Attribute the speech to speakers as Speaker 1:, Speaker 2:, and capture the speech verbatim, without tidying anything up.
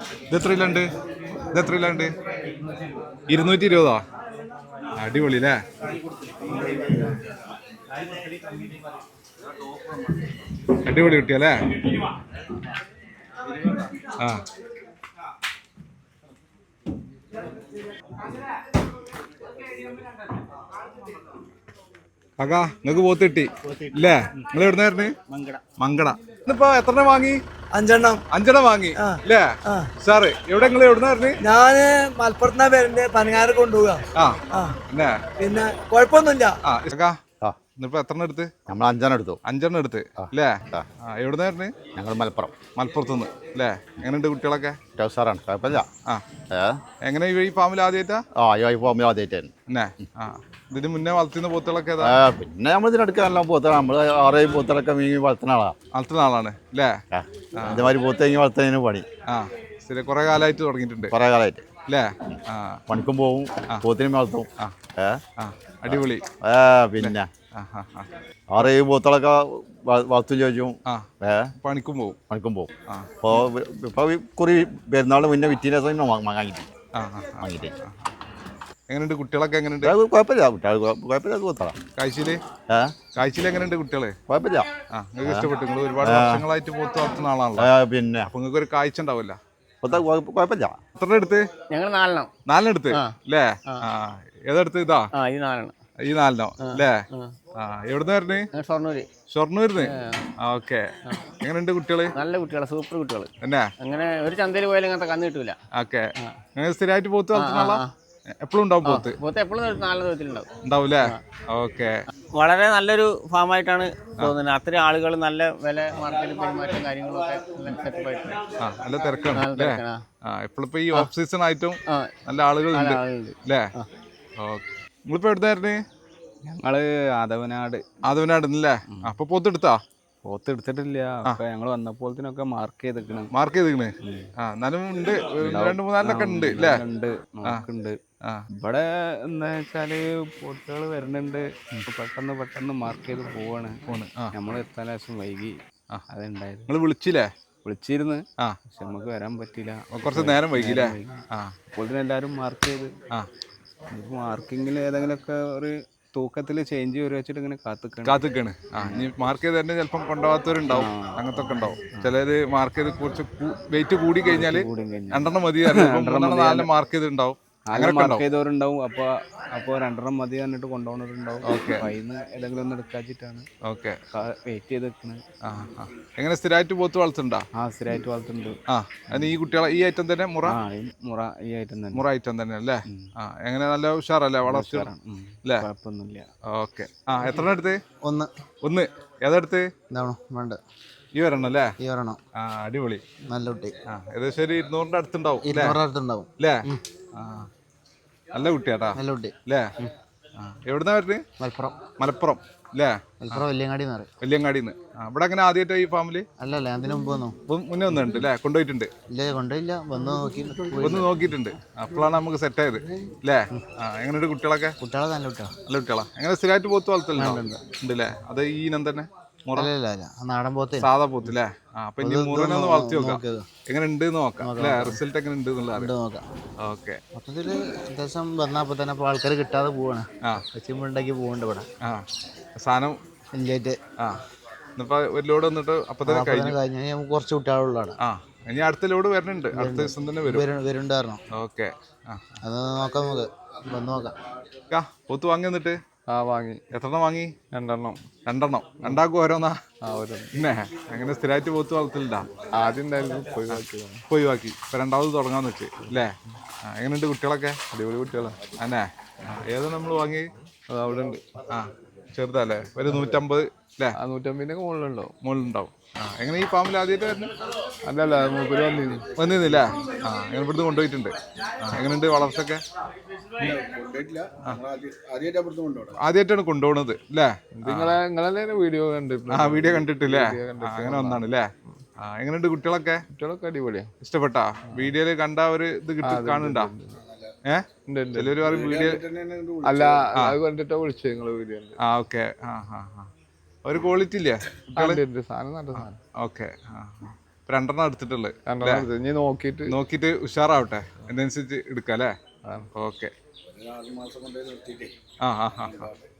Speaker 1: ഇത് എത്രയിലുണ്ട് ഇത് എത്രയിലുണ്ട് ഇരുന്നൂറ്റി ഇരുപതോ അടിപൊളി അല്ലേ അടിപൊളി കുട്ടിയല്ലേ ആ കാക്കാ നിങ്ങക്ക് പോത്ത് കിട്ടി ഇല്ലേ നിങ്ങൾ എവിടുന്നായിരുന്നു മങ്കട ഇന്നിപ്പോ എത്ര വാങ്ങി
Speaker 2: അഞ്ചെണ്ണം
Speaker 1: അഞ്ചെണ്ണം വാങ്ങി അല്ലേ സാറ് എവിടെ നിങ്ങൾ എവിടുന്നായിരുന്നു
Speaker 2: ഞാന് മലപ്പുറത്തുനിന്നാ പേരുണ്ട് പനങ്ങാറ് കൊണ്ടുപോകാം
Speaker 1: ആ
Speaker 2: പിന്നെ കുഴപ്പമൊന്നുമില്ല
Speaker 1: ആ ഇന്നിപ്പോ എത്ര എടുത്ത്
Speaker 3: നമ്മൾ അഞ്ചെണ്ണം എടുത്തു
Speaker 1: അഞ്ചെണ്ണം എടുത്ത് അല്ലേ എവിടുന്നായിരുന്നു
Speaker 3: ഞങ്ങൾ മലപ്പുറം
Speaker 1: മലപ്പുറത്തുനിന്ന് അല്ലേ എങ്ങനെയുണ്ട് കുട്ടികളൊക്കെ
Speaker 3: സാറാണ് കുഴപ്പമില്ല
Speaker 1: ആ എങ്ങനെ ഈ ഫാമിൽ ആദ്യമായിട്ടാ
Speaker 3: ആ ഈ ഫാമിൽ ആദ്യമായിട്ടായിരുന്നു
Speaker 1: എന്നേ ആ ഇതിന് മുന്നേ വളർത്തുന്ന പോത്തുകളൊക്കെ
Speaker 3: പിന്നെ നമ്മൾ ഇതിനടുത്ത് നല്ല പോത്താണ് നമ്മൾ ആറേഴ് പോത്തുകളൊക്കെ മീങ്ങി വളർത്തുന്ന ആളാണ്
Speaker 1: വളർത്തുന്ന ആളാണ് അല്ലേ
Speaker 3: ഇതേമാതിരി പോത്ത് കഴിഞ്ഞ് വളർത്തുന്നതിന് പണി
Speaker 1: ആ ശരി കുറെ കാലമായിട്ട് തുടങ്ങിയിട്ടുണ്ട്
Speaker 3: കുറെ കാലമായിട്ട്
Speaker 1: അല്ലേ ആ
Speaker 3: പണിക്കും പോവും പോത്തിനും വളർത്തും
Speaker 1: ആ അടിപൊളി
Speaker 3: ഏ പിന്നെ ആറേഴ് പോത്തുകളൊക്കെ വളർത്തും ചോദിച്ചും ഏ
Speaker 1: പണിക്കും പോവും
Speaker 3: പണിക്കും പോവും അപ്പോൾ ഇപ്പോൾ കുറി പെരുന്നാൾ മുന്നേ വിറ്റീനെ വാങ്ങിയിട്ട് വാങ്ങിയിട്ട്
Speaker 1: എങ്ങനെയുണ്ട് കുട്ടികളൊക്കെ എങ്ങനെയുണ്ട്
Speaker 3: കുഴപ്പമില്ല കുട്ടികൾ കുഴപ്പമില്ല പോത്തളാം
Speaker 1: കാഴ്ചയില്
Speaker 3: ഏഹ്
Speaker 1: കാഴ്ചയിൽ എങ്ങനെയുണ്ട് കുട്ടികള്
Speaker 3: കുഴപ്പമില്ല
Speaker 1: ആ നിങ്ങൾക്ക് ഇഷ്ടപ്പെട്ടു നിങ്ങൾ ഒരുപാട് വർഷങ്ങളായിട്ട് പോത്ത് വളർത്തുന്ന ആളാണല്ലോ
Speaker 3: പിന്നെ
Speaker 1: അപ്പൊ നിങ്ങൾക്ക് ഒരു കാഴ്ച ഉണ്ടാവില്ല
Speaker 3: കുഴപ്പമില്ല
Speaker 1: എത്ര എടുത്ത്
Speaker 4: ഞങ്ങൾ നാലെണ്ണം
Speaker 1: നാലെണ്ണം എടുത്ത് അല്ലേ ആ ഏതെടുത്ത് ഇതാ
Speaker 4: ഈ നാലെണ്ണം
Speaker 1: ഈ നാലെണ്ണോ അല്ലേ ആ എവിടുന്ന് വരണേ
Speaker 4: ഷൊർണൂര്
Speaker 1: ഷൊർണൂരിന്ന് ഓക്കെ എങ്ങനെയുണ്ട് കുട്ടികള്
Speaker 4: നല്ല കുട്ടികളാണ് സൂപ്പർ കുട്ടികൾ
Speaker 1: എന്നാ
Speaker 4: അങ്ങനെ ഒരു ചന്തയിൽ പോയാലും അങ്ങനത്തെ കന്ന് കിട്ടൂല
Speaker 1: ഓക്കെ നിങ്ങൾ സ്ഥിരമായിട്ട് പോത്ത് വളർത്തുന്ന ആളാ എപ്പോഴും ഉണ്ടാവും പോത്ത്
Speaker 4: പോത്ത് എപ്പോഴും നാല് ദിവസത്തിലുണ്ടാവും
Speaker 1: ഉണ്ടാവൂലേ ഓക്കെ
Speaker 4: വളരെ നല്ലൊരു ഫാമായിട്ടാണ് തോന്നുന്നത് അത്രയും ആളുകൾ നല്ല വില മാർക്കറ്റ് പെരുമാറ്റം കാര്യങ്ങളൊക്കെ സെറ്റപ്പ് ആയിട്ടുണ്ട്
Speaker 1: ആ നല്ല തിരക്കാണ് അല്ലേ ആ എപ്പോഴിപ്പോ ഈ ഓഫ് സീസൺ ആയിട്ടും നല്ല ആളുകൾ ഉണ്ട് അല്ലേ ഓക്കെ നിങ്ങളിപ്പോ എവിടുന്നായിരുന്നു
Speaker 5: ഞങ്ങള് ആദവനാട്
Speaker 1: ആദവനാട് അല്ലേ അപ്പൊ പോത്ത് എടുത്താ
Speaker 5: പോത്ത് എടുത്തിട്ടില്ല അപ്പൊ ഞങ്ങള് വന്നപ്പോഴത്തേനൊക്കെ മാർക്ക് ചെയ്തിക്കണ്
Speaker 1: മാർക്ക് ചെയ്തിക്കണ് ആ എന്നാലും ഉണ്ട് രണ്ട് മൂന്നാലിനൊക്കെ ഉണ്ട് അല്ലേ
Speaker 5: ഉണ്ട് നോക്കുന്നുണ്ട് ഇവിടെ എന്താ വെച്ചാല് പോത്തുകൾ വരുന്നുണ്ട് പെട്ടെന്ന് പെട്ടെന്ന് മാർക്ക് ചെയ്ത് പോവാണ് പോണ് നമ്മൾ എത്താൻ ലേശം വൈകി അതുണ്ടായത്
Speaker 1: നിങ്ങൾ വിളിച്ചില്ലേ
Speaker 5: വിളിച്ചിരുന്ന്
Speaker 1: ആ
Speaker 5: പക്ഷെ നമുക്ക് വരാൻ പറ്റില്ല
Speaker 1: കുറച്ച് നേരം വൈകില്ലേ ആ
Speaker 5: അപ്പോൾ എല്ലാരും മാർക്ക് ചെയ്ത്
Speaker 1: ആ
Speaker 5: മാർക്കിങ്ങിൽ ഏതെങ്കിലുമൊക്കെ ഒരു തൂക്കത്തിൽ ചേഞ്ച് വരും വെച്ചിട്ട് ഇങ്ങനെ കാത്തിക്കാണ്
Speaker 1: കാത്തിക്കാണ് ആ ഇനി മാർക്ക് ചെയ്ത് തന്നെ ചിലപ്പം കൊണ്ടുപോകാത്തവരുണ്ടാവും അങ്ങനത്തെ ഒക്കെ ഉണ്ടാവും ചിലര് മാർക്ക് ചെയ്ത് കുറച്ച് വെയിറ്റ് കൂടി കഴിഞ്ഞാല് രണ്ടെണ്ണം മതി നാലെണ്ണം മാർക്ക് ചെയ്തിട്ടുണ്ടാവും
Speaker 5: അങ്ങനെ മാർക്ക് ചെയ്തവരുണ്ടാവും അപ്പൊ അപ്പൊ രണ്ടെണ്ണം മതി പറഞ്ഞിട്ട് കൊണ്ടുപോകുന്നവരുണ്ടാവും ഓക്കെ അതിന് ഏതെങ്കിലും ഒന്ന് എടുക്കാച്ചിട്ടാണ്
Speaker 1: ഓക്കെ
Speaker 5: വെയിറ്റ് ചെയ്ത് വെക്കുന്നത്
Speaker 1: ആ എങ്ങനെ സ്ഥിരമായിട്ട് പോത്ത് വളർത്തുന്നുണ്ടോ
Speaker 5: ആ സ്ഥിരമായിട്ട് വളർത്തുന്നുണ്ട്
Speaker 1: ആ അതിന് ഈ കുട്ടികളെ ഈ ഐറ്റം തന്നെ മുറ
Speaker 5: മുറ ഈ ഐറ്റം തന്നെ
Speaker 1: മുറ ഐറ്റം തന്നെ അല്ലേ ആ എങ്ങനെ നല്ല ഉഷാറല്ലേ വളർച്ച അല്ലേ
Speaker 5: കുഴപ്പമൊന്നുമില്ല
Speaker 1: ഓക്കെ ആ എത്ര എടുത്ത്
Speaker 2: ഒന്ന്
Speaker 1: ഒന്ന് ഏതെടുത്ത്
Speaker 2: എന്താണോ വേണ്ട
Speaker 1: ഈ വരണം അല്ലേ
Speaker 2: ഈ വരണം
Speaker 1: ആ അടിപൊളി
Speaker 2: നല്ല കുട്ടി
Speaker 1: ആ ഏകദേശം ഒരു ഇരുന്നൂറിന്റെ അടുത്തുണ്ടാവും
Speaker 2: ഇരുന്നൂറടുത്തുണ്ടാവും
Speaker 1: അല്ലേ ആ നല്ല കുട്ടിയാട്ടാ
Speaker 2: നല്ല കുട്ടി
Speaker 1: അല്ലേ ആ എവിടുന്നാ വരുന്നത്
Speaker 2: മലപ്പുറം
Speaker 1: മലപ്പുറം അല്ലേ
Speaker 2: മലപ്പുറം വല്യങ്ങാടി എന്ന് പറയും
Speaker 1: വല്യങ്ങാടിന്ന് ആ ഇവിടെ അങ്ങനെ ആദ്യമായിട്ട് ഈ ഫാമിലി
Speaker 2: അല്ലല്ല അതിന് മുമ്പ് വന്നു
Speaker 1: മുന്നേ വന്നിട്ടുണ്ട് അല്ലേ കൊണ്ടുപോയിട്ടുണ്ട്
Speaker 2: ഇല്ല കൊണ്ടില്ല വന്ന് നോക്കി
Speaker 1: ഒന്ന് നോക്കിയിട്ടുണ്ട് അപ്പോഴാണ് നമുക്ക് സെറ്റ് ആയത് അല്ലേ ആ എങ്ങനെയുണ്ട് കുട്ടികളൊക്കെ
Speaker 2: കുട്ടികളെ നല്ല കുട്ടികളാ
Speaker 1: നല്ല കുട്ടികളാ എങ്ങനെ സ്ഥിരമായിട്ട് പോത്ത് വളർത്തലുണ്ടോ ഉണ്ട് അല്ലേ അത് ഈ ഇനം തന്നെ
Speaker 2: നാടൻ പോത്ത്
Speaker 1: സാധാ പോത്ത് അല്ലേ ആ അപ്പൊ ഇനി മുറിനെ ഒന്ന് വളർത്തി നോക്കാം എങ്ങനെ ഉണ്ട് നോക്കാം അല്ലേ റിസൾട്ട് എങ്ങനെ ഉണ്ട് എന്നുള്ളത് ഓക്കെ
Speaker 2: മൊത്തത്തില് അത്യാവശ്യം വന്നപ്പോ തന്നെ ഇപ്പൊ ആൾക്കാർ കിട്ടാതെ പോവാണ്
Speaker 1: ആ
Speaker 2: ഉണ്ടാക്കി പോകണ്ട ഇവിടെ
Speaker 1: ആ സാധനം
Speaker 2: ഇല്ലായിട്ട്
Speaker 1: ആ ഇന്നിപ്പോ ഒരു ലോഡ് വന്നിട്ട് അപ്പൊ തന്നെ കഴിഞ്ഞു
Speaker 2: കഴിഞ്ഞ കുറച്ച് കുട്ടികളുള്ളതാണ്
Speaker 1: ആ ഇനി അടുത്ത ലോഡ് വരുന്നുണ്ട് അടുത്ത ദിവസം തന്നെ വരും
Speaker 2: വരുന്നുണ്ടായിരുന്നു
Speaker 1: ഓക്കെ ആ
Speaker 2: അത് നോക്കാം നമുക്ക് വന്ന് നോക്കാം
Speaker 1: പോത്ത് വാങ്ങി വന്നിട്ട്
Speaker 5: ആ വാങ്ങി
Speaker 1: എത്രണ്ണം വാങ്ങി
Speaker 5: രണ്ടെണ്ണം
Speaker 1: രണ്ടെണ്ണം രണ്ടാക്കും ഓരോന്നാ
Speaker 5: ആ ഒരു
Speaker 1: പിന്നെ അങ്ങനെ സ്ഥിരമായിട്ട് പോത്ത് വളർത്തില്ല
Speaker 5: ആദ്യം ഉണ്ടായിരുന്നു
Speaker 1: ഒഴിവാക്കി ഇപ്പൊ രണ്ടാമത് തുടങ്ങാന്ന് വെച്ച് അല്ലേ ആ എങ്ങനെയുണ്ട് കുട്ടികളൊക്കെ
Speaker 5: അടിപൊളി കുട്ടികളാണ്
Speaker 1: അന്നെ ഏതാ നമ്മൾ വാങ്ങി
Speaker 5: അത് അവിടെ ഉണ്ട്
Speaker 1: ആ ചെറുതല്ലേ ഒരു നൂറ്റമ്പത് അല്ലേ
Speaker 5: ആ നൂറ്റമ്പതിൻ്റെ മുകളിലുണ്ടാവും
Speaker 1: മുകളിലുണ്ടാവും ആ എങ്ങനെ ഈ ഫാമിൽ ആദ്യമായിട്ട് വരുന്നു
Speaker 5: അല്ലല്ല മൂപ്പര് വന്നിരുന്നു
Speaker 1: വന്നിരുന്നില്ലേ ആ എങ്ങനെ ഇവിടുന്ന് കൊണ്ടുപോയിട്ടുണ്ട് ആ എങ്ങനെയുണ്ട് വളർച്ചയൊക്കെ ആദ്യമായിട്ടാണ് കൊണ്ടുപോകുന്നത് അല്ലേ
Speaker 5: നിങ്ങളെ നിങ്ങളെ വീഡിയോ കണ്ടിട്ട്
Speaker 1: ആ വീഡിയോ കണ്ടിട്ടില്ലേ അങ്ങനെ വന്നാണ് അല്ലേ ആ എങ്ങനെയുണ്ട് കുട്ടികളൊക്കെ
Speaker 5: കുട്ടികളൊക്കെ അടിപൊളിയാ
Speaker 1: ഇഷ്ടപ്പെട്ടാ വീഡിയോയില് കണ്ട ഒരു ഇത് കിട്ടി കാണുന്നുണ്ടാ ഏഹ് ചിലര് പറയും വീഡിയോ
Speaker 5: അല്ല അത് കണ്ടിട്ടാ വിളിച്ചു നിങ്ങള് വീഡിയോ
Speaker 1: ആ ഓക്കെ ആ ആ ആ ഒരു ക്വാളിറ്റി ഇല്ലേ
Speaker 5: സാധനം നല്ല സാധനം
Speaker 1: ഓക്കെ ആ ഇപ്പൊ രണ്ടെണ്ണം എടുത്തിട്ടുള്ളത്
Speaker 6: രണ്ടെണ്ണം എടുത്ത് ഇനി നോക്കിയിട്ട്
Speaker 1: നോക്കിയിട്ട് ഉഷാറാവട്ടെ അതിനനുസരിച്ച് എടുക്കാം അല്ലേ? ഓക്കെ. ആ ആ ആ